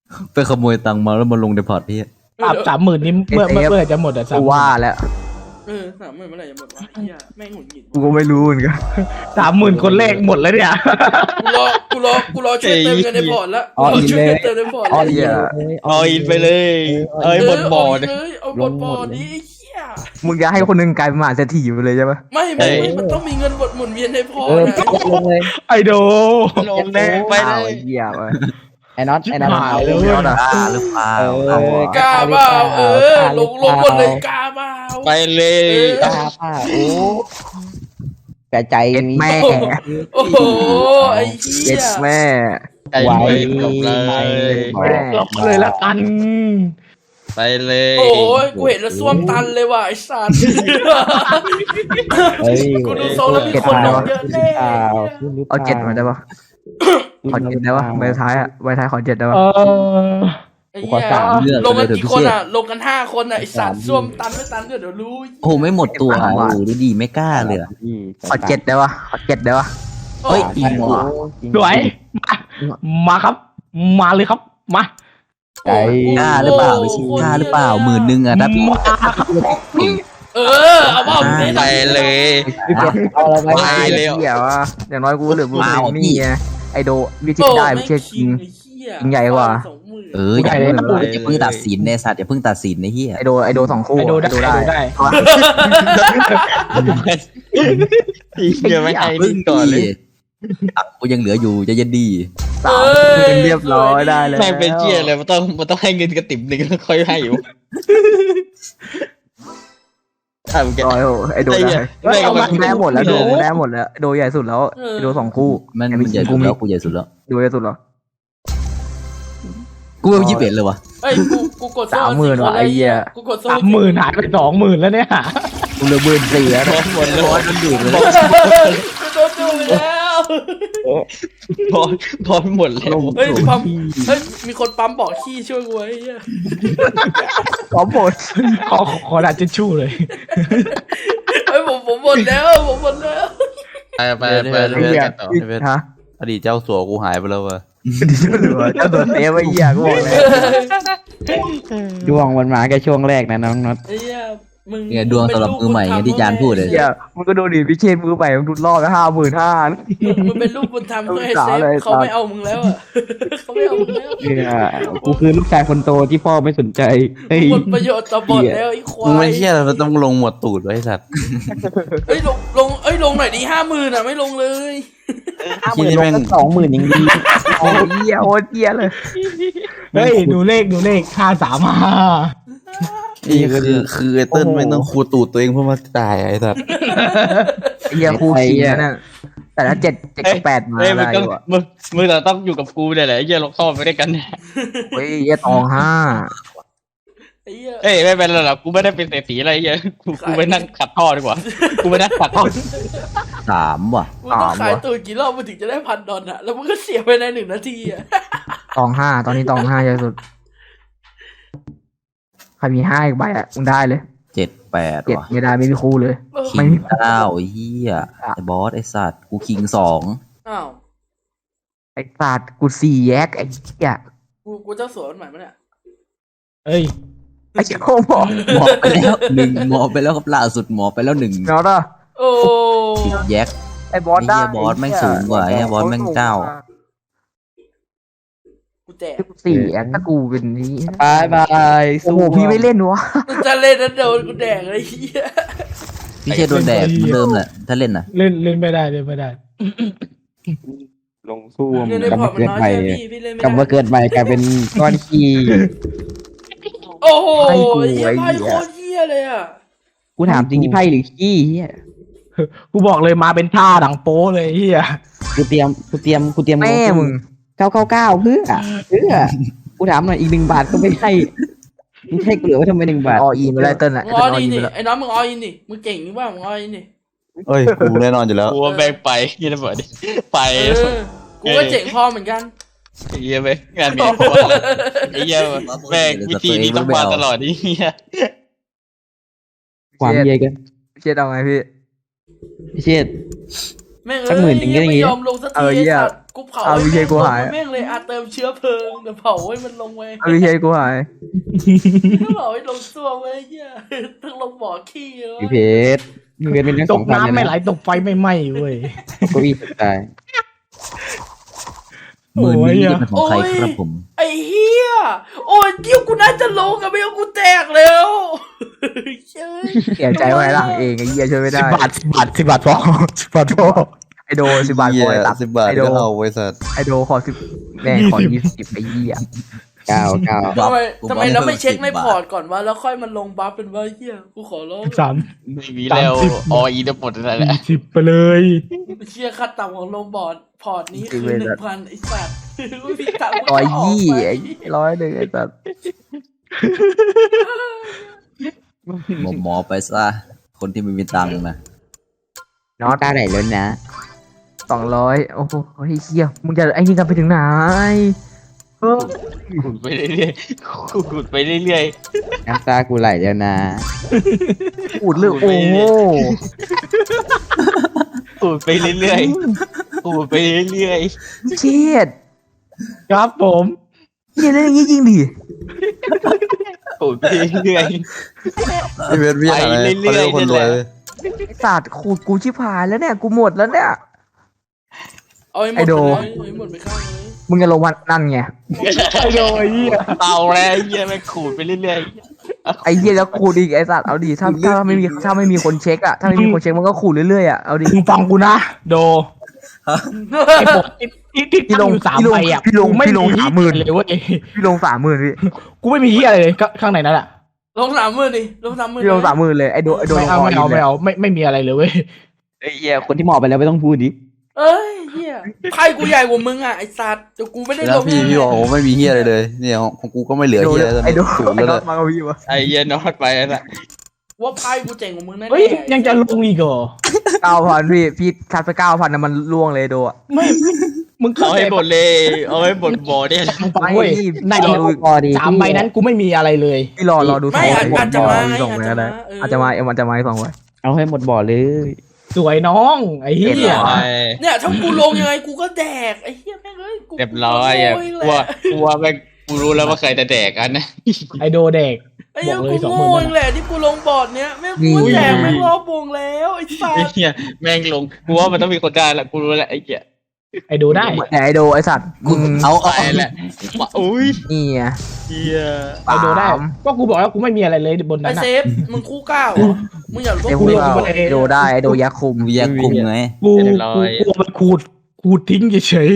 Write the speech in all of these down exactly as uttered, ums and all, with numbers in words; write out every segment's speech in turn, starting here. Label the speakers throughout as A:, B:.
A: ไปขโมยตังค์มาแล้วมาลงในพอร์ตพี่
B: ปรับสามหมื่นนี่เมื่อเมื่อเมื่อจะหมดอ่ะสาม
C: กูว่าแล้ว
D: เออสามหมื่นเมื่อไหร่จะหมดวะไอ้เหี้ยแม่งหงุดหงิด
C: กูก็ไม่รู้เหมือนกัน
B: สามหมื่นคนแรกหมดแล้วเนี่ย
D: กูรอกูรอกูรอช่วยเติมเงินในพอร์ตแล้วกูรอช่วยเติมในพอร์ต
C: อ๋อ
D: แล้ว
C: เหี้ย
E: เอาอินไปเลยเอ้ยหมดบ่อเนี่ย
D: เลยเอาหมดบ่อนี้ไอ้เหี้ย
C: มึงจะให้คนหนึงกลายเป็นมหาเศรษฐีไปเลยใช่ปะ
D: ไม่ไม่ไม่มันต้องมีเงินหมดหมุนเวียนในพอร์
F: เอ
D: ต
F: อ
D: นะ
F: ลงเลย
B: ไอโด
E: ลงเลยไปเล
C: อ้าว
E: ย
C: ไอ้เหี้ยไป
F: ไอ้น็อตไอ้น็อต
B: หายเลย
C: เดี๋ยวนะ
A: กล้าหรือเปล่า
F: เออก
D: ล้าเปล่าเออลงลงหมดเลยกล้าเปล่า
E: ไปเลย
F: กล้าป่ะโอ้แต่ใจ
C: เอ็ด
F: มี
C: แม่
D: โอ้โหไอ้
C: เอ็
D: เหี้ย
C: ดแม่
E: ไปเลยจบเลย
C: แม่
B: หลบเลยละกัน
E: ไปเลย
D: โอ้ยกูเห็นแล้วส้วมตันเลยว่ะไอ้สัตว์
F: เฮ้ย
D: กูดูทรงแล้วมีคนลงเยอะแน่
F: เปล่า
C: เอาเจ็ดมาได้ปะขอเจ็ดได้ปะใบท้ายอะใบท้ายขอเจ็ดได้ปะ
B: เออ
D: ไอ้เหี้ยลงกันกี่คนอ่ะลงกันห้าคนอ่ะไอ้สัตว์ส้วมตันไม่ตันเดี๋ยวรู้
A: โอ้ไม่หมดตัวโอ้ดูดีไม่กล้าเลยอะ
C: ขอเจ็ดได้ปะขอเจ็ดได้ปะ
D: เฮ้ย
A: จริงเหรอ
B: สวยมามาครับ มาเลยครับมา
F: ใจ
A: กล้าหรือเปล่าไม่ใช่กล้าหรือเปล่าหมื่นหนึ่งอะถ้าพี่
B: มาครับ
D: เออเอาว่ามึง
E: ไปเลย
F: เอาอะไร
E: ไป
F: มา
E: เร็ว
C: เหี้ยวะอย่างน้อยกูเหลือมึงนี่ไงไอโดวิธี
D: โอ้
C: ได้
D: ไม่
C: ไม่ใช่จริง
D: คิง
C: ใหญ่กว่า
A: เอออย่าเพิ่งอย่าเพิ่งตัดสินในสัตว์อย่าเพิ่งตัดสินในเฮีย
C: ไอโดไอโดสองคู่
B: ไอโดได้ไอโดได้
E: เดี๋ยวไม่ให้
A: เพิ่
E: ดิ้
A: ง
E: นก่อนเลย
A: ตังค์กูยังเหลืออยู่จะเย็นดี
C: สามเรียบร้อยได้เลย
E: แม่งเป็นเจี๊ยเลยมันต้องมันต้องให้เงินกระติ่มหนึ่งแล้วค่อยให้อยู่ทำแก
C: ร้อยโอ้ไอโดได้
E: แม่งเอามา
C: มึงได้หมดแล้วโดมึงได้หมดแล้วโดใหญ่สุดแล้วไอโดสองคู่
A: มัน
C: ไอ้
A: มันใหญ่
C: กู
A: สุด
C: มี
A: แล้วกูใหญ่สุดแล้ว
C: โดใหญ่สุดแล้ว
A: กูเป็นยี่สิบเอ็ดเลยวะ
D: เอ้ยกูกูกด
C: สามหมื่นว่ะไอ้เหี้ย
D: กูกดโซ่
B: สามหมื่นหายไปสองหมื่นแล้วเนี่ย
C: กูเหลือหมื่นสี่แล้ว
E: บอสหมดเลย
A: ร้อยมันดูดเลย
D: กูโดนดูไปแล้ว
E: บอสบอสหมดแล้ว
D: เฮ้ยปั๊มเฮ้ยมีคนปั๊มบอกขี้ช่วยกูไว้ไอ้เหี้ย
C: ขอหมด
B: ขอขอดัดเจชู่เลย
D: เฮ้ยผมผมหมดแล้วผมหมดแล้ว
E: ไปไปไป
C: ไอ้เหี้ยฮะ
A: อดีตเจ้าสัวกูหายไปแล้ววะ
C: ดีเจ้าเหลือเจ้าตัวเซฟไอ้เหี้ยกูบอกเลย
F: ช่วงมันมาแค่ช่วงแรกนะน้องน็อต
D: ไอ้เหี้ยมึง
A: เนี่ยดวงสำหรับมือใหม่ไงที่จานพูดเลย
C: เหี้ยมึงก็ดูดิพิเชษมือใหม่มึงทุดรอบไปห้าหมื่นห้า
D: มึงเป็นลูกบุญธรรมเพื่อให้เซฟ
C: เลย
D: เขาไม่เอามึงแล้วอ่ะเขาไม่เอามึงแล้ว
F: เนี่ยกูคือลูกชายคนโตที่พ่อไม่สนใจเฮ้ย
D: หมดประโยชน์ต่อบทแล้วไอ้ควา
A: มึงไม่
D: ย
A: เชื่อเราต้องลงหมดตูดไว้ไอ้สัตว์
D: เอ้ยลงลงเอ้ยลงหน่อยดิห้าหมื่นอ่ะไม่ลงเลย
F: ห้าหมื่นลงตั้งสองหมื่นยังดี
C: โอ้ยเหี้ยโอ้ยเหี้ยเลย
B: เฮ้ยดูเลขดูเลขห้าสามห้า
A: นี่คือคือไอ้เติ้ลไม่ต้องคูตูดตัวเองเพื่อมาตายไอ้สัตว์
C: เหี้ยคู่ขี้นั่นแต่ละเจ็ดเจ็ดกับแปดมา
E: เฮ้ยมึ
C: ได้
E: งต้อง
C: ว่ะ
E: มึงมึงเราต้องอยู่กับกูเนี่ยแหละไอ้เหี้ยเราเข้าไปด้วยกันเนี่ย
C: เฮ้ยเหี้ยตองห้า
D: ไอ้เหี้ย
E: เอ้ยไม่เป็นไรหรอกกูไม่ได้เป็นเศรษฐีอะไรไอ้เหี้ยกูกูไปนั่งขัดท่อดีกว่ากูไปนั่งขัดท่อ
A: สามว่ะ
D: มึงต้องขายตัวกี่รอบมึงถึงจะได้พันดอลอ่ะแล้วมึงก็เสียไปในหนึ่งนาทีอ่ะ
C: ตองห้าตอนนี้ตองห้าเยอะสุดใครมีห้าอีกใบอ่ะมึงได้เลย
A: เจ็ดแปด
C: เจ็ด
A: ว่ะ
C: ไม่ได้ไม่มีคู่เลย
D: เออ
A: คิงเก้าไอ้เหี้ยไอ้บอสไอ้สัตว์กูคิงสอง
D: อ้าว
C: ไอ้สัตว์กูสี่แยกไอ้เหี้ย
D: กูกูเจ้าสัวมันใหม่ปะเนี่ย
B: เอ้ย
C: ไอ้เจ้าบอก
A: หมอไปแล้วหนึ่งหมอไปแล้วครับล่าสุดหมอไปแล้วหนึ่ง
C: เนาะเนาะ
D: โอ้
A: แยก
C: ไอ้บอสได้
A: ไอ้เหี้ยบอสแม่งสูงกว่าไอ้เหี้ยบอสแม่งเก้า
D: กูแตก
C: กูสี่แยกถ้ากูเป็นนี้
F: บายบาย
C: โอ้โหพี่ไม่เล่นวะ
D: กูจะเล่นนั้นโดนกูแดกเลยไอ้เหี้ย
A: พี่เชษโดนแดดเหมือนเดิมแหละถ้าเล่นน่ะ
B: เล่นเล่นไม่ได้เล่นไม่ได้
F: ลงสู้
D: เงินใน
F: กลับ
D: พอ
F: มา
D: ร์ตมัน
F: เกิด
D: น้อย
F: ใหม่
D: ใช่ไหมพี่พี่เล่นไม่
F: กลับมา
D: ได้
F: เกิดใหม่กลายเป็นก้อนขี้
D: โอ้โหไอ้เหี้ยไพ่โคตรเหี้ยเลยอ่ะ
F: กูถามจริงที่ไพ่หรือขี้เฮีย
B: กูบอกเลยมาเป็นท่าดังโป้เลยเฮีย
F: กูเตรียมกูเตรียมกูเตรียม
C: แม่มึง
F: เก้าเก้าเก้าเพื่อเพื่อกูถามหน่อยอีกหนึ่งบาทก็ไม่ให้มึงให้กูเหลือไว้ทำไมหนึ่งบาท
C: ออีไม่ได้เติ้ลอ่ะ
D: มึง
C: เติ้
D: อ
C: ล
D: อ
C: อ
D: อิ
C: อี
D: น
C: ไป
D: ดิ
C: แล้ว
D: ไอ้น้องมึงอออินดิมึงเก่งหรือเปล่ามึงอออินดิ
A: เอ้ยกูแน่นอนอยู่แล้ว
E: กูว่าแบงไปยี่ระเบิดดิไป
D: เออกูก็เจ๋งพอเหมือนกัน
E: ไอ้เหี้ยไปงานมีคนไอ้เหี้ยแม่งวิธีนี้ต้องมาตลอดนี่เหี้ย
F: ความเย่กัน
C: เชียดเอาไงพี่
F: พี่เชิด
D: แม่ง
F: สักหมื่นหนึ่งก็
D: เอ้ย
F: อย่าง
D: ไม่
F: งี้
D: ยอมลงสัก
C: เอ
D: ที
C: อ
D: ไอ้
C: เหี้ย
D: สัตว์กูเผา
C: เอา
D: ให้
C: วิเชี
D: แม่งลง
C: ยรกูหาย
D: แม่งเลยอาเติมเชื้อเพลิงเดี๋ยวเผาให้มันลงไว้
C: เอาวิเชียรกูหาย
D: เผาให้ลงตัวไว้เหี้ยต้องลงบ่อขี้เลยวะ
F: พี่เพชรมึงเงินเป็นทั้ง
B: ต
F: สอก งพัน
B: น้ำ
F: เลย
B: ไม่ไหล
F: นะ
B: ตกไฟไม่ไหม้เว้ย
F: เก็อีตาย
A: หมื่นนี้จะเป็นของใครครับผม
D: ไอ้เหี้ยโอ้ยเกี่ยวกูน่าจะลงอะไม่งั้นกูแตกแล้วเฮ้ย
C: เสียใจไว้ล่างเองไอ้เหี้ยช่วยไม่
B: สิ
C: ได้
B: บบาทสิบบาทสิบบาทพอสิบบาทพอ
C: ไอโดสิบบาท
A: เหี้
C: พอย ตัด
A: สิบบาท
C: ไอโด
A: ก็เอาไว้สัตว์
C: ไอโดขอสิบแม่งขอยี่สิบไอ้เหี้ย
F: เก้าเก้า
D: ทำไม
A: กู
D: ทำไม
A: บอก
D: เราไม่
A: ให้
D: เช็คใน
A: สิบบาท
D: พอร์ตก่อนวะแล้วค่อยมันลงบัฟเป็นว่าเหี้ยกูขอร้อง
B: สาม
E: ไม่มีแล้วออีทั้งหมดนั่นแหละ
B: สิบไปเลย
D: เชี่ยค่าต่ำของลงบอร์ดพอร์ตนี้คือหนึ่งพันไอ้สัตว์ไม่มีตังค์
C: ร้อย
D: ก็ก
C: ยี่
D: ไป
C: ไอ้ร้อยหนึ่งไอ้สัส
A: หมอหมอไปซะคนที่ไม่มีตังค์นะ
F: น้องตาไหนล้นนะ
C: สองร้อยโอ้โหไอ้เหี้ยมึงจะไอ้นี่กันไปถึงไหนเออ
E: ขุดไปเรื่อยๆขุดไปเรื่อย
F: น้ำตากูไหลแล้วนะ
C: พูดเรื่องโอ้โห
E: ๆขุดไปเรื่อยๆขุดไปเรื่อย
C: เชียด
B: ครับผม
C: เหี้ยเล่นอย่างงี้จริงดิ
E: ๆขุดไปเรื่อย
A: พี่เวทพี่อะไร
E: ไปเรื่
A: เขา
E: อยๆ
A: เรียกคนรวย
E: นี่แหละ
C: ไอ้สัตว์ขูดกูชิบหายแล้วเนี่ยกูหมดแล้วเนี่ย
D: เอาให้หม
C: ไอ้
D: ด
C: โด
D: ไปเลยเอาให้หมดไปข้างเลย
C: มึงจะลงวันนั่นไง
B: ไอโดไอ้เหี้ย
E: ๆเอาแล้วไอ้เหี้ยแม่งขุดไปเรื่อย
C: ไอ้เหี้ยแล้วขูดอีกไอ้สัตว์เอาดิถ้าถ้าไม่มีถ้าไม่มีคนเช็คอะถ้าไม่มีคนเช็คมันก็ขูดเรื่อยๆอะเอาดิ
B: มึงฟังกูนะโดไอ้ปกที่ที่
C: พี่ลง
B: ตั้อยู่สาม
C: พี่ลง
B: ใบอ่ะ
C: พี่ลง
B: กูไม่
C: พี่ลง
B: มี
C: สามหมื่น
B: เลยเว้ย
C: พี่ลงสามหมื่นพี่
B: กูไม่มีเหี้ยอะไรเลยก็ข้างในนั้นแหละ
D: ลงสามหมื่นดิลงสามหมื่น
C: พี่ลงสามหมื่นเลยไอ้โดไอ้โด
B: ไม่เอา
C: ลง
B: ไม่เอา
C: ล
B: ไม่เอาไม่ไม่มีอะไรเลยเว้ย
F: ไอ้เหี้ยคนที่หมอบไปแล้วไม่ต้องพูดดิ
D: เอ้ยเฮียไพ่กูใหญ่กว่ามึงอ่ะไอ้สัตว์เดี๋ยวกูไม่ได้
A: แล้
D: ล
A: ว
D: ง
A: พี่พี่บอกผมไม่มีเฮียอะไรเลย เนี่ยของของกูก็ไม่เหลือ
C: ไอ้โด
A: เฮียแล้ว
C: ไอ้โด
A: ถูก
C: ไอ้
A: แล้ว
C: โด
A: เลย
C: มากับพี่วะ
E: ๆไอ้เหี้ยนอดไปแล้วน่ะ
D: ว่าไพ่กูเจ๋งกว่ามึงแน่ๆ
B: เฮ้ยยังจะลงอีกเหรอ
C: เก้าพันพี่พี่คัดไปเก้าพันนะมันล่วงเลยโดอะ
B: ไม่มึงเข้า
E: เอา
B: ใจ
E: ให้หมดเลยเอาให้หมดบ่อเนี่ย
B: มึงฟังเว้ยใน
C: รอดู
F: พอดี
B: สามใบนั้นกูไม่มีอะไรเลย
C: พี่รอรอดู
D: ไม่อาจอาจจะมาไง
C: สอง
D: อาจ
C: ไว้
D: จะ
C: ก็ได้
D: มาเออ
C: อาจจะมาเอ็มอาจจะมาอีกสองไว้
F: เอาให้หมดบ่อเลย
B: สวยน้องไอ้เหี้
C: เห็น
B: ย
C: เหรอ
E: ไอ้
D: เนี่ยถ้ากูลงยังไงกูก็แดกไอ้เหี้ยแม่งเอ้ยกู
E: เรียบร้อยอ่ะ
D: กู
E: กลัว
D: โง่เองแหละ
E: กลัวแม่งกูรู้แล้วว่าใครจะแดกกันนะ
B: ไอโดเด็ก
D: ไอ้เหี้ย
B: บอกเลย
D: กู
B: สองห
D: โง่
B: มื่น
D: เองแหละที่กูลงบอร์ดเนี้ยแม่งกูแดกแม่งรอบวงแล้วไอ้สัต
E: ไอ้
D: ว์
E: เหี้ยแม่งลงกูว่ามันต้องมีคนได้ละกูรู้แล้วไอ้เหี้ย
B: ไอโดได้
C: แต่ไอโดไอสัตว์มึง
A: เอาเอา
E: ไปแหละว่าอุ้ย
C: นี่ไง
E: เหี้ย
B: ไอโดได้ก็กูบอกแล้วกูไม่มีอะไรเลยบน
D: ไอ้
B: นั้นอะ
D: เซฟมึงคู่ก้าวเหรอมึงอยากรู้
C: เดี๋ยว
D: ว่า
C: กู
D: กู
C: ล
D: ล
C: ง
D: ง
B: กู
C: ไอโดได้ไอโดยักษ์คุม
A: วิยาคุมไง
B: กูกูกูเอามันขูดขูดทิ้งเฉย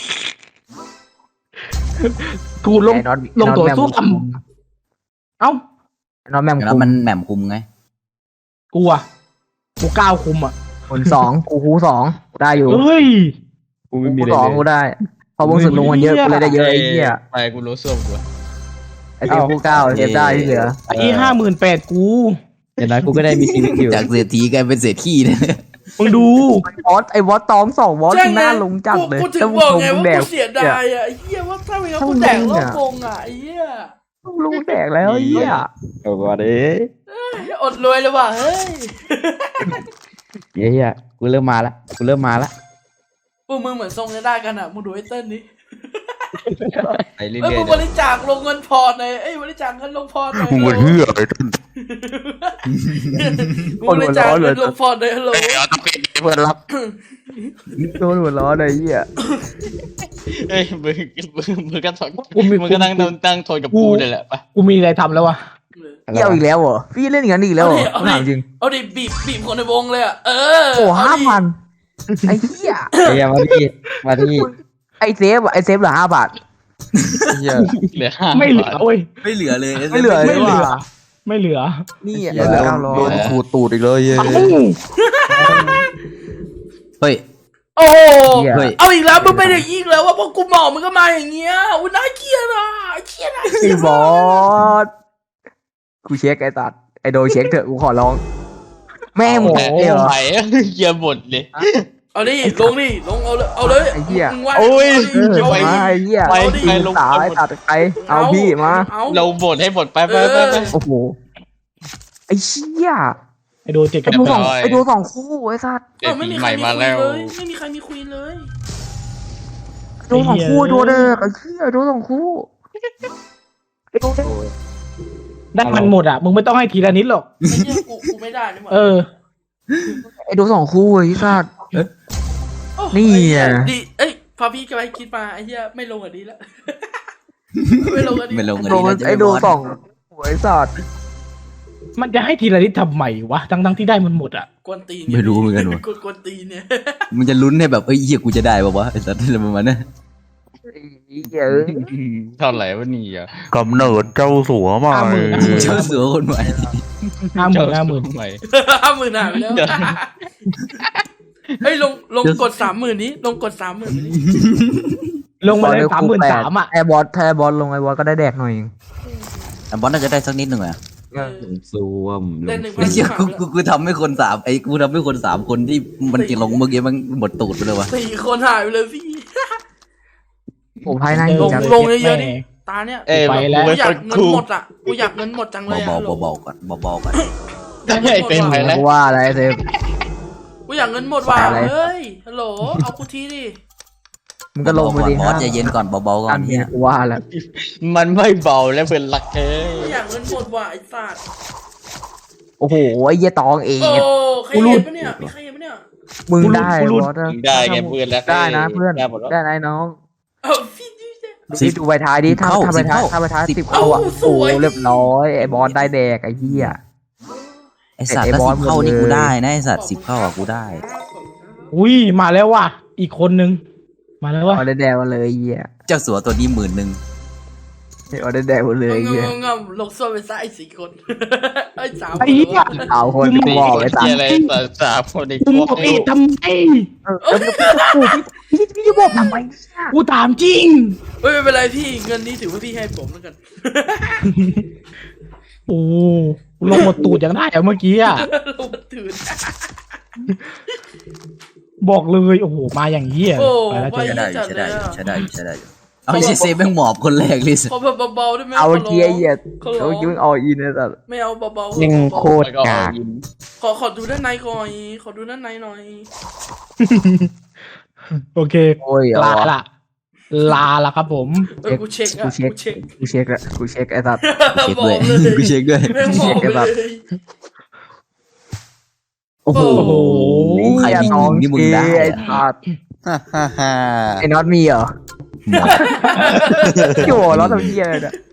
B: ๆขูดลง
C: ไอ้น็อต
B: ลงตัว
C: ไอ้น็อต
B: สู้
C: แมม
B: ต่ำเอ้า
C: ไอ้น็อตแมม
A: แล้ว
C: คุม
A: มันแหม่มคุมไง
B: กูอะกูก้าวคุมอะ
C: คนสองกูคูสองกูได้อยู่
B: เฮ้ย
F: กูไม่มี
C: คู
F: อะไร
C: สอง
F: เลย
C: กูได้พอวงสุดลงมันเยอะกูเลยได้เยอะไอ้เหี้ย
E: ไปกูรู้ส้วมกู
C: ไอเซฟคูเก้าเซฟได้ที่เหลือ
B: ไอ้ห้าหมื่นแปดกู
F: อย่างน้อยกูก็ได้มีชีวิตอยู่
A: จากเศรษฐีกลายเป็นเศรษฐีเลย
B: มึงดู
C: วอสไอวอสตองสองวอส
D: ใช่
C: ห
D: ไง
C: น้าลงจัดเลย
D: กูถึง
C: ถ้า
D: บอก
C: มึ
D: ไง
C: ง
D: ว่า
C: แดก
D: กูเสียดายอ่ะไอ้เหี้ยว่าถ้าไม่งั้นกูแดกรอบวงอ่ะไอ้เหี้ย
C: ต้องลงแดกแล้วไอ้เหี้ย
F: เอาบ่อเลย
D: อดรวยเลยว่ะเฮ้ย
F: เหี้ยกูเริ่มมาละกูเริ่มมาละ
D: พวกมึงเหมือนทรงจะได้กันอ่ะมึงดูไอ้เต้นดิ
E: ไปเรื่
D: เอ้ย
E: อย
D: มึงบริจาคลงเงินพอร์ตหน่อยเอ้ยบริจาคเงินลงพอร์ตหน่อย
A: มึงเฮียอะไรต้น
D: มึงบริจาคเงินลงพอร์ตหน่อยฮัลโหล
E: ๆเอาต้องเป็นเพื่อนรับ
C: โดนหัวล้อเลยไอ้เหี้ย
E: เอ้ยมึงมึงมึงก็ทน
B: กูมี
E: มึงก็นั่งตั้งทนกับกูนี่แหละไป
B: กูมีอะไรทำแล้ววะ
C: เกี่ยวอีกแล้วเหรอพี่เล่นอย่างนั้นอีกแล้วเหรอ
D: เอา
C: ถาม
D: ดิ
C: จริง
D: เอาดิบีบบีบคนในวงเลยอ่ะเออ
C: โอ้
D: เอ
C: ห้า
D: ดิ
C: พันไอ้เหี้ย
F: ไอ้เหี้ยมาที่มาที่
C: ไอเซฟอะไอเซฟเหลือห้าบาท
A: เฮีย
E: เหลือห้า
B: ไม่เหลือเว้ย
A: ไม่เหลือเลย
C: ไม่เหลือ
B: ไม่เหลือ ไม่เหลือ
C: นี่อะ
A: เหี้ย
C: เหลือ
A: โด
C: เก้าน ร้อ
A: โด
C: ย
A: นขูดตูดอีกเลยเย้
B: เอ้า
A: เฮ้ย
D: โอ้โห
A: เฮ้ย
D: เอาอีกแล้วมึงเป็นอย่างนี้อีกแล้วว่าพอกูหมอกมึงก็มาอย่างเงี้ยอุ้ยน่าเกลียดอ่ะเกลียดอ่ะ
C: ไอ้บอสกูเช็คไอ้ตัดไอโดเช็คเถอะกูขอร้อง แม่งหมด
E: โอ้
C: เลยเหรอ
E: ไปเยี่ยหมดเลย
D: เอาดิลงดิลงเอาเลยเอาเลย
C: ไอ้เหี้ย
D: มึงว่า
E: โอ้ย
C: เออ
D: เอา
C: มา
D: ดิ
C: ไอ้เหี้ย
E: ไป
C: จริง
E: ไปลง
C: สาวไอ้ตัดไปเอาพี่มา
D: เอา
E: เราบดให้หมดไปไปไปไป
C: โอ้โหไอ้เชี่ย
B: ไอโดเจ็ด
C: ไอ
B: กับ
C: ดู
B: แป
C: สอง
B: ด
C: ไอดูสองคู่ไอ้สัตว์
E: เด็
D: เอก อไม่
E: ปี
D: มี
E: ให
D: ใคร
E: ม่
D: มี
E: มา
D: คุย
E: แล้ว
D: เลยไม่มีใครมีคุยเลย
C: ไอดูสองคู่ไอดูเด็กไอ้เหี้ยไอดูสองคู่ไอดูเด็ก
B: ได้มันหมดอ่ะมึงไม่ต้องให้ทีละนิดหรอก
D: ไอ้เหี้ยกูกูไม่ได้นี่หว่า
B: เออ
C: ไอดูสองคู่ไอ้สัตว์
D: โอ้
C: นี่
D: ไอ้เหี้ย
C: อ่ะ
D: ดีเอ้ยพอพี่กำลังคิดมาไอ้เหี้ยไม่ลงอ่ะดีแล้ว ไม่ลงอ่ะดี
A: ไม่ลง
C: ไอดูไอดูสองไอ้สัตว์
B: มันจะให้ทีละนิดทำไมวะทั้งทั้งๆที่ได้มันหมดอ่ะ
D: กวนตีน
A: ไม่รู้เหมือนกันวะ
D: กวนกวนตีนเนี่ย
A: มันจะลุ้นให้แบบเอ้ยเหี้ยกูจะได้ป่าวะไอ้สัตว์อะไรประมาณนั้น
C: ไอ้เหี้ยเอ้ย
E: เท่าไหร่วะนี่อ่ะ
G: กำเนิดเจ้าสัวใหม่
B: ห้าหมื่น
A: เจ้าสัวคนใหม่
B: ห้าหมื่นห้าหมื่น
E: ใหม่
D: ห้าหมื่นหายไปแล้วเฮ้ยลงลงกดสามหมื่นนี้ลงกดสามหมื่นนี้
B: ลงมาเลยสามหมื่นสามอ่ะ
C: ไอบอสถ้าไอบอสลงไอบอสก็ได้แดกหน่อยเอง
A: แต่บอสน่าจะได้สักนิดหนึ่งอะ
F: ซูม
D: เล่นหนึ่งพั
A: ไอ้
D: น
A: เหี้ย
D: สาม
A: กูกูกูทำให้คนสามไอ้กูทำให้คนสามคนที่มันกินลงเมื่อกี้มันหมดตูดไปเลยวะ
D: สี่คนหายไปเลยพี่
C: ผมภายใน
D: ลง
C: จัง
D: ลงเยอะๆดิตาเนี่ย
E: เอ้ย
B: ไปแล้ว
E: กู
D: กูอยาก
E: เป็น
D: เงิ
E: คน รู
D: หมดอ่ะกูอยากเงินหมดจังเลย
A: เบา
D: อะ
A: ๆเบาๆก่อนเบาๆก่อน
E: ได้เป็นไปแล้ว
C: ว่าอะไรเซฟ
D: กูอยากเงินหมดว่ะ
C: อะไร
D: เฮ้ยฮัลโหลเอากูทีดิ
C: มึงก็ลง
A: เบาๆ
C: มา
A: ก่อน
C: ดิ
A: บอสใจเย็นก่อนเบาๆก่อ
C: กัน น
A: เนี่
C: เนี่ย ยกูว่าแล้ว
E: มันไม่เบาแล้วเพื่อนรักเอ้
D: กู
E: ย
D: อยากเงินหมดว่ะไอ้สัตว์
C: โอ้โหไอ้เหี้ยตองเอง
D: โอ้ใครเห็นปะเนี่ยมีใครเห็นปะเนี่ย
C: มึงได้บอส
E: ได้ไงเพื่อนรัก
C: ได้นะเพื่อน
E: ได้หมดแล้ว
C: ได้นะไอ้น้อง
D: เอาพี่ดิ
C: ดูดิดูใบท้ายดิถ้าถ้าใบท้ายถ้าใบท้ายสิบเข้าอ่ะโอ้เรียบร้อยไอ้บอสได้แดกไอ้เหี้ย
A: ไอ้สัตว์
C: ไอ้
A: ถ้า
C: บอ
A: สิ
C: ส
A: บเข้า
C: หมดเลย
A: นี่กูได้นะไอ้สัตว์สิบเข้าอะกูได้
B: อุ้ยมาแล้วว่ะอีกคนนึงมาแล้วว่ะ
C: เอาได้แดกมาเลยไอ้เหี้ย
A: เจ้าสัวตัวนี้หมื่นหนึ่ง
C: เอาได้แดกมาเลยไอ้
D: ง
C: เหี้ย
D: งงลงโซ่ไปซะไอ้สี่คนไอ้สาม
B: ไอ้เหี้ย
C: เอาคนกูบอกไอ้สัต
E: เหี้ย
C: ว์
E: อะไรสามสามคนใน
B: มึง
E: พว
B: บ
E: ก
B: อกอีกทำไม
C: เออพี่พี่พี่จะบอกทำไมเนี่ย
B: กูถามจริง
D: เฮ้ยไม่เป็นไรพี่เงินนี้ถือว่าพี่ให้ผมแล้วกัน
B: โอ้ลงหมดตูดอย่างได้อะเมื่อกี้อ่ะ
D: ลงมาตื่น
B: บอกเลยโอ้โหมาอย่างนี้อ่ะ
D: โอ้
B: ไปแล้วเจอ
A: ใช้
B: กัน
A: ได้อยู่ใช้ได้อยู่ใช้ได้อยู่ใช้ได้อยู่เอาไอ้เซฟแม่งหมอบคนแรกเลยสิ
D: ขอแบบเบาๆได้ไหม
C: เอาเกียร์เหยียด
D: ขอ
C: เอา
D: ร้อง
C: เกียร์เอาอินนะสัตว์
D: ไม่เอาเบาๆ
F: ยัง
D: ขอ
F: โคตรกาก
D: ขอขอดูด้านในก่อนขอดูด้านในหน่อย
B: โอเค
C: โอ้ย
B: ลา
C: เอา
B: ละลาละครับผม
D: เออกูเช็คอะ
C: กูเช็ค
D: กูเช็ค
C: กูเช็คละกูเช็คไอ้สัตว์
A: เช็ค
D: บ
A: ด้
D: อ
A: วย
D: กเลย
A: กูเช็คด้วย
D: แม่งบอกเลย
A: โอ้โห
B: โอ้โห
A: ใครมี
C: น้อง
A: นี่มึงได้
C: ไอ้
A: อะ
C: สัตว์
A: ฮ่าฮ่าฮ่า
C: ไอ้น็อตมีเหรอ
A: หมอบ
C: โย่น็อตทำเหี้ยอะไรเนี่ย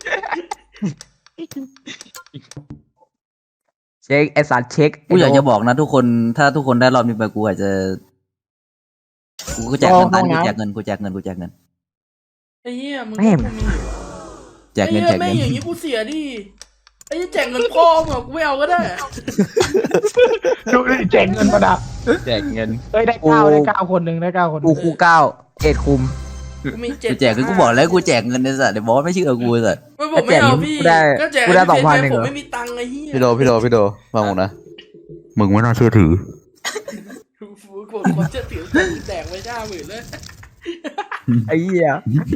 C: เช็คไอ้สัตว์เช็ค
A: กูอยากจะบอกนะทุกคนถ้าทุกคนได้รอบนี้ไปกูอาจจะกูก็แจกเงินตันกูแจกเงินกูแจกเงินกูแจกเงิน
D: ไอ้เหี้ยมึง
C: แม่ง
A: แจกเงินแจ
D: ไอ้
A: ก
D: เหี้ยแม่
A: เงิ
D: ง
A: น
D: อย่างนี้กูเสียดิไอ้เหี้ยแจกเงินพ่อมึงอะกูไม่เอาก็ได้
B: ดูดิแจกเงินประดับ
E: แจกเงิน
B: เอ้ยได้เก้าได้เก้าคนหนึ่งได้เก้าคนห
C: กู
B: นึ่ง
C: คูเก้าเอ็ดคุม
D: กูมีเจ็ด
A: กูแจกคือกูบอกแล้วกูแจกเงินในสัตว์เดี๋ยวบอกว่าไม่เชื่อกูไอ้สัตว์
D: ไม่บอกไม่เอาพี่
C: กูได้
D: ก็แจก
C: กูได้
D: ให้พี่
C: สองพัน
D: เพชร
C: เองเหรอ
D: ผมไม่มีตังค์ไอ้เหี้ย
A: พี่โดพี่โดพี่โดฟังผมนะ
G: มึงไม่น่าเชื่อถือ
D: ฟูผมผมจะถือคนแตกไว้ห้าหมื่นเลย
C: ไอ้เหี้ย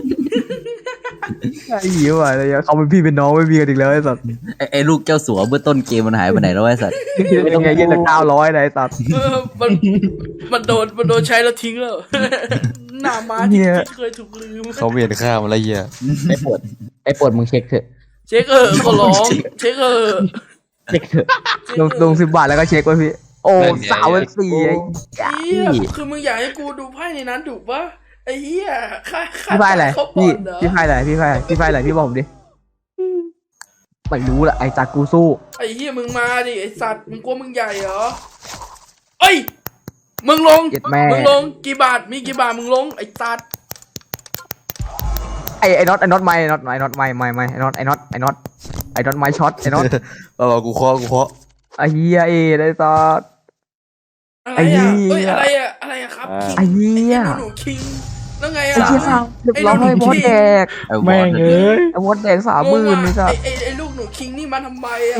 C: ไอ้เหี้ยว่ะเลยเขาเป็นพี่เป็นน้องไม่มีกันอีกแล้วไอ้สัตว์
A: ไอ้ไอ้ลูกเจ้าสัวเมื่อต้นเกมมันหายไปไหนแล้วไอ้สัตว์
C: เป็นไงยี่สิบเก้าร้อยไอ้สัตว์
D: เออมันมันโดนมันโดนใช้แล้วทิ้งแล้ว หน้าม้าที่ที่เคยถูกลืม
A: เขาเวียนข้ามอะไรเงี้ย
F: ไอ้ปวดไอ้ปวดมึงเช็คเถอะ
D: เช็คเออขอร้องเช็คเออ
F: เช็คเถอะ
C: ลงลงสิบบาทแล้วก็เช็คไว้พี่ โอ้สาวเป็นสี่ไอ้
D: เหี้ยคือมึงอยากให้กูดูไพ่ในนั้นถูกปะไอ้เหี้ยค่าค่า
C: พี่ไพ่อะไร
D: เขาป
C: พี่
D: อนเหรอ
C: พี่ไพ่อะไรพี่ไพ่พี่ไพ่อะไรพี่บอกผมดิไม่รู้ละไอ้จากกูสู้
D: ไอ้เหี้ยมึงมาดิไอ้สัตว์มึงกลัวมึงใหญ่เหรอเอ้ยมึงลง
C: เจ็ดแม่
D: มึงลงกี่บาทมีกี่บาทมึงลงไอ้สัตว์
C: ไอ้ไอ้น็อตไอ้น็อตไม่ไอ้น็อตไอ้น็อตไม่ไม่ไม่ไอ้น็อตไอ้น็อตไอ้น็อตไอ้น็อตไม่ช็อตไอ้น็อต
A: เรากูเคาะกูเคาะ
C: ไอ้เหี้ยเอ้ไอ้สัตว์
D: อะไร
C: ไอ้เหี้
D: อ่ะ
C: ย
D: เอ้ยอะไรอ่ะอะไรอ่ะครับ
C: ไอ้เหี้ย
D: ไอ้หนูคิงแล้วไง
C: ไอ้
D: อ่ะ
C: เหี้ยสาวเรียบร้อยบอสแดก
A: ไอ้บอ
B: แม่ง
A: ส
B: เอ้ย
C: ไอ้บอสแดกสามหมื่นนี่จ้ะ
D: ไอ้ไอ้ไอ้ลูกหนูคิงนี่มาทำไมอ่ะ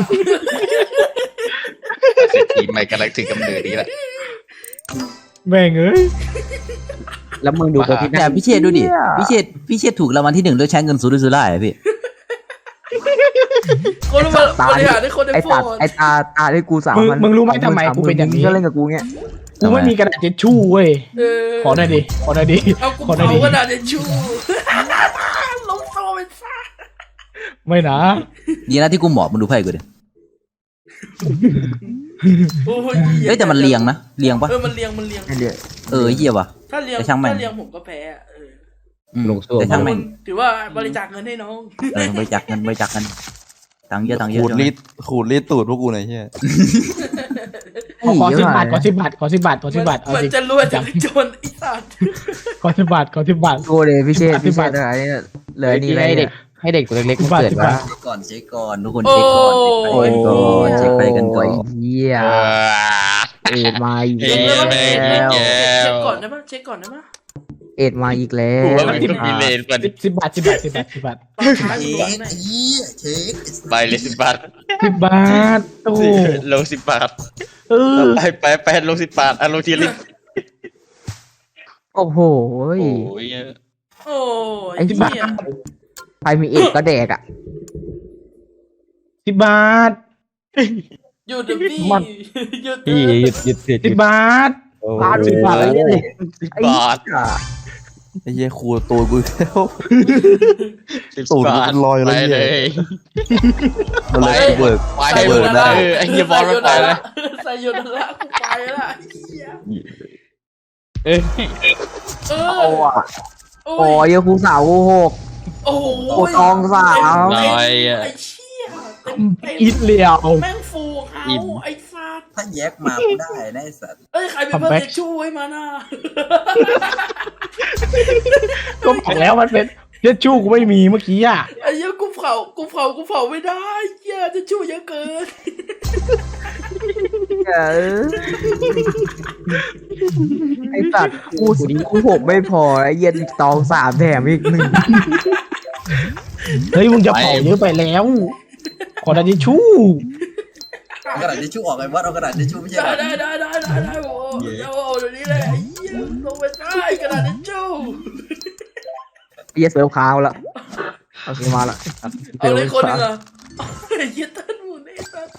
E: ทีมใหม่กำลังถึงกำเนิดนี้แหละ
B: แม่งเอ้ย
F: แล้วมึงดูโปรฟิต
A: แต่พี่เชษดูดิพี่เชษพี่เชษถูกรางวัลที่หนึ่งด้วยใช้เงินซูรุซูร่าเหรอพี่
D: คนบริหารได้คนได้
C: ไอ้
D: โฟ
C: ตัด
D: น
C: ไอ้ตาตาที่กูสาม
B: มึง
C: พัน
B: มึงรู้ไหมทำไมกูเป็นอย่างนี้
C: ก็เล่นกับกูเงี้ย
B: กูไม่มีกระดาษทิชชู่เว้ย
D: เออ
B: ขอหน่อยดิขอหน่อยดิ
D: เอากู
B: ขอหน่อย
D: เผา
B: ดิ
D: กระดาษทิชชู่ลงโซ่ไปซะ
B: ไม่นะ
A: ดีนะที่กูหมอบมึงดูไพ่กูดิ
D: โอ้ย
A: เฮ้ยแต่มันเรียงนะเรียงปะ
D: เออมันเรียงมันเรียง
C: ไอ้เดี๋ยว
A: เออเหี้ยว่ะ
D: ถ้าเรียง
A: แต่ช่างแม่ง
D: ถ้าเรียงผมก็แพ้อะเออ
A: อืม
F: ลงโซ่
A: แต่ช่างแม่ง
D: ถือว่าบริจาคเงินให้น้อง
A: เออบริจาคเงินบริจาคเงินตังค์เยอะตังค์เยอะ
E: ขูด
A: ใช่ไหม
E: รีดขูดรีดตูดพวกกูหน่อยเฮีย
B: ขอขอสิบบาทขอสิบบาทขอสิบบาทขอสิบบาทเอา
D: มัน
B: สิ
D: จะรวยจากโจรไอ้สัตว์
B: ขอสิบบาทขอสิบบาท
C: โกูเลยพี่เชษ
B: อธิ
C: พี่เช
B: บาย
C: ษอะไรเนี่ยเหลือนี่อะไร
F: ให้เด็
C: เนี่
F: ก
C: ย
F: ให้เด็กตัวเล็กๆ
B: สิ
F: มา
B: บบาท
F: เกิด
B: สิบ
F: ว่า
B: บาท
A: เช็คก่อนเช็คก่อนทุกคนเช็คก่อน
C: โอ้
A: เช็ค
C: ย
A: ไปกัน
C: โอ้
A: ก่อน
C: ยเหี้ย
E: เออ
C: เอ็ดมาอีก
E: เฮ้
C: แล้
E: ยว แม่งอีกแล้ว
D: เช็คก่อนได้ปะเช็คก่อนได้ปะ
C: เอ็ดมาอีกแล้
E: กู
C: ว
E: ว่ามันต้องมีเลนกว่า
B: สิบสิบบาทสิบบาทสิบบาทสิบบาท
D: ตอนท้ายมึงบอกหน่อย
A: เช็ค
E: ไปเลยสิบบาท
B: สิบบาทโอ้
E: ลงสิบบาท
B: เออ
E: ไปไปไปลงสิบบาทอ่ะลงทีลิง
C: โอ้โห
E: โอ้ย
D: โอ้ย
C: ไอ้
D: เหี้
C: บ้าย ใครมีเอ็ดก็แดกอ่ะ
B: สิบบาท
D: หยุดเดี๋ยวพี่
C: มัน
D: หยุดเถ
F: พี่
D: อะ
F: หยุดหยุดหยุดห
B: สิ
F: ยุ
B: บ
F: ด
B: บาท
C: บาทสิบบาทเลย
E: สิบ
C: ไอ้
E: บาท
C: เหี้ย
E: ไอ้เหี้ยครูตัวกูแล้วสิบ
G: ตูด
E: บา
G: มั
E: ท
G: นลอยแล้ว
E: ไป
G: เนี่ย
E: เลย
G: มันเลยเบิก
E: ไปให้เบิร์ดได้ไอ้เหี้ยบอลมันไปแล้ว
D: ใส่หยุดละกูไปละไอ้เหี้ย
E: เอ้ย
D: เอ
C: โอ้
D: อ
C: อะ
D: โอ้
C: โอ้
D: ย
C: ยยังครูสาวโอ้โห
D: โอ้โห
C: โอ้ตองสาว
D: เต็ม
E: น้อย
D: เต็ม
E: อะ
D: ไอ้เชี่ยเต็มเต็ม
B: อีทเลียว
D: แม่งฟูเขา
E: อิ่ม
D: ไอ้สัตว์
A: ถ้าแยกมากูได้นะไอ้สัตว์
D: เอ้ยใครเป็นเพื่อนเด็กช่วยมาน่ะ
B: ก็บอกแล้วมันเป็นเจชู่กูไม่มีเมื่อกี้อ่ะ
D: ไอ้เหี้ยกูเผากูเผากูเผาไม่ได้เหี้ยจะช่วยเยอะเกิน
C: เออไอ้สัตว์กูกูผมไม่พอไอ้เหี้ย็นตองสามแถมอีกหนึ่ง
B: เฮ้ยมึงจะเผาเยอะไปแล้ว ขอดาจิชู่
A: เอากระดาษทิชชู่ออกไอ้วัดเอากระดาษทิชชู่ไม่ใช่
D: ได้
A: เหรอ
D: ได้ได้ได้ได้ได้โอ้เดี๋ยวโอ้เดี๋ยวนี้เลยไอ้เหี้ยลงไปได้กระดาษทิชชู่
C: ไอ้เหี้ยเซิร์ฟค้างแล้วโอเคมาละ
D: เอาเลยคนหนึ่งอ่ะไอ้เหี้ยเต้นหมุนไอ้สัส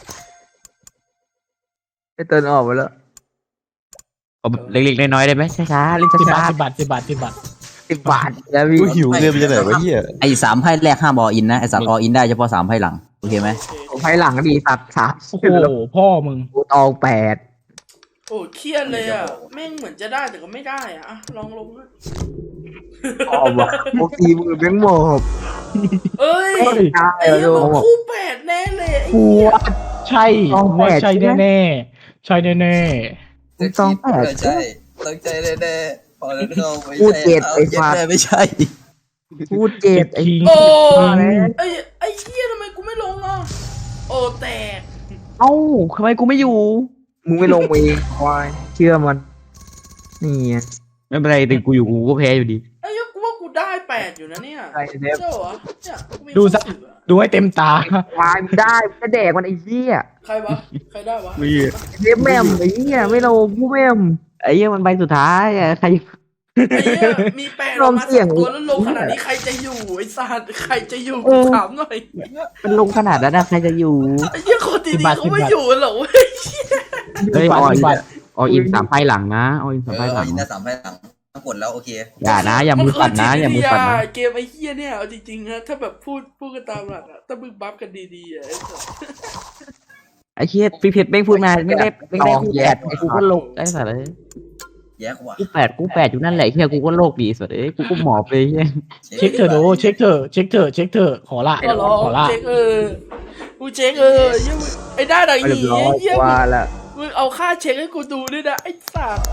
C: ไอ้เติร์นออกไปแล้ว
F: เอาแบบเล็กๆน้อยๆได้ไหมช้าๆเล่น
B: สิบ
F: ช้า
B: บาทสิบบาทสิบบาทสิบบาท
C: สิบบาทแล้วพี่
G: กูหิวเงินไปจากไหนวะเหี้ย
A: ไอ้สามไพ่แรกห้ามออินนะไอ้สัตว์ออินได้เฉพาะสามไพ่หลังโอเคไหม
C: ผมให้หลังก็ดีสัตว์สาม
B: โอ้โหพ่อมึง
C: กูตองแปด
D: โอ้เครียดเลยอ่ะแม่งเหมือนจะได้แต่ก็ไม่ได้อ่ะอะลองลงนะ
C: ออกว่ะโอคีมือแบงค์หมอบ
D: เอ้ย
C: ไม่ได้
D: ไอ้เหี้ย
C: แล้ว
D: มันคู่แปดแน่เลยไอ้
B: กู
D: เหี้ย
B: ว่าใช่กูว่าใช่แน่ๆใช่แน่
C: กูตองแปด
A: ใช่ตั้งใจแน่ๆพอแล้วเข้าไม่
C: พูด
A: ใช่
C: เจ็ด
A: เอา
C: ไอ้
A: เจ็ด
C: สัตว์
A: แน่ไม่ใช่
C: พูด
B: ๆ
C: เจ็
B: เจ็
C: ด
B: ด
C: ไอ้
B: ทิ้ง
D: โอ้
C: มาแล้ว
D: ไอ้ไอ้เหี้ยทำไมกูไม่ลงอ่ะโอ้แตก
F: เอ้าทำไมกูไม่อยู่
C: มึงไม่ลงมาเองควายเชื่อมัน นี่ไง
F: ไม่เป็นไรแต่กูอยู่กูก็แพ้อยู่ดี
D: ไอ้เหี้ยกูว่ากูได้แปดอยู่นะเนี่ย
C: ใครเดฟ
D: เจ้าเหรอเนี่ยกูมี
B: ดูซะ
D: ความรู้สึกอะ
B: ดูให้เต็มตา
C: ควายมึงได้มึงจะแดกมันไอ้เหี้ย
D: ใครวะใครได้วะ
F: มี
C: เดฟแม่มไอ้เหี้ยไม่ลงผู้แม่ม
F: ไอ้เหี้ยมันใบสุดท้ายอะใคร
D: ไอ้เหี้ยมีแปดออกมา
C: ลองเสี่ย
D: สาง มตัวแล้วลงขนาดนี้ใครจะอยู่ไอ้สัตว์ใครจะอยู่กูถามหน่อย
F: มันลงขนาดนั้นนะใครจะอยู่
D: ไอ้เหี้ยคนดี
B: สิบ
D: ๆ
B: บาท
D: เขาไม่
B: สิบบาท
D: อยู่หรอกเว้ย
F: เฮ้ย
B: สิบบาท
F: อ
B: สิบบาท
F: ออินสามไพ่หลังนะออิน
A: เอ
F: สาม
A: อ
F: ไพ่หลัง
A: อินได้สามไพ่หลังทั้งหมดแล้วโอเค
F: อย่านะอย่ามือปัดนะอย่ามือปัดนะ
D: เกมไอ้เหี้ยเนี่ยเอาจริงๆนะถ้าแบบพูดพูดกันตามหลักอะถ้ามึงบัฟกันดีๆอะไอ้สัส
F: ไอ้เหี้ยพี่เพชรไม่พูดมาไม่ได้ไม่ได้กูแปดไอ้กูก็โลกไอ้สัตว์เลย
A: แยกว่ะ
F: กูแปดกูแปดอยู่นั่นแหละเฮียกูก็โลกดีสัตว์เอ้ยกูก็หมอบเลยเฮีย
B: เช็คเถอะดูเช็คเถอะเช็คเถอะเช็คเถอะขอละ
D: ก็รอ
B: ขอละ
D: เช็คเออกูเช็คเออเหี้ยมึงไอ้ด้าดัง
C: เรีย
D: หี
C: บร้อย
D: เหี้ย
C: ว่าละ
D: มึงเอาค่าเช็คให้กูดูด้วยนะไอ้สัส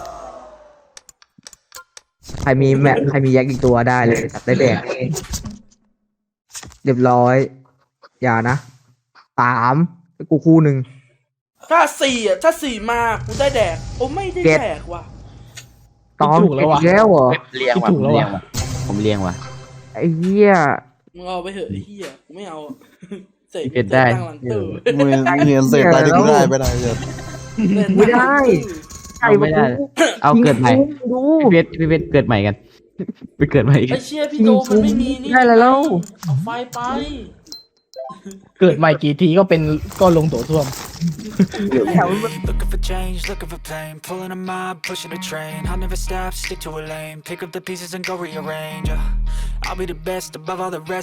C: ใครมีแม่ใครมีแยกอีกตัวได้เลยตัดได้แดกเรียบร้อย อย่านะสามกูคู่หนึ่ง
D: ถ้าสี่อ่ะถ้าสี่มากูได้แดกโอ้ไม่ได้
C: เจ็ด
D: แดกว่ะ
C: ตองเจ็ดอีกแล้วเหรอ
E: เลี้ยง
B: คิด
E: ว่ะ
B: ถูกแล้วว่ะ
F: ผมเลี้ยงว่ะ
C: ไอ้เหี้ย
D: มึงเอาไปเถอะไอ้เหี้ยกูไม่เอาเสก
F: เก็บได้
D: ตั้งหลังตู้
G: มึงเงินเสร็จได้ที่กูได้ไม่ได้เลย
C: ไม่ได้ ใช่
F: เอาไม่ได้ เอาเกิดใหม่
C: ดู
F: พี่เพชรพี่เพชรเกิดใหม่กันไปเกิดใหม่กั
D: ไอ้
F: น
D: เชี่ยพี่โดมันไม่มีนี่
C: ได้แล้ว
D: เอาไฟไป
B: เกิดใหม่กี่ทีก็เป็นก็ลงโถส้วม
H: Looking for change, looking for pain. Pulling a mob, pushing a train. I'll never stop, stick to a lane. Pick up the pieces and go rearrange. uh. I'll be the best above all the rest.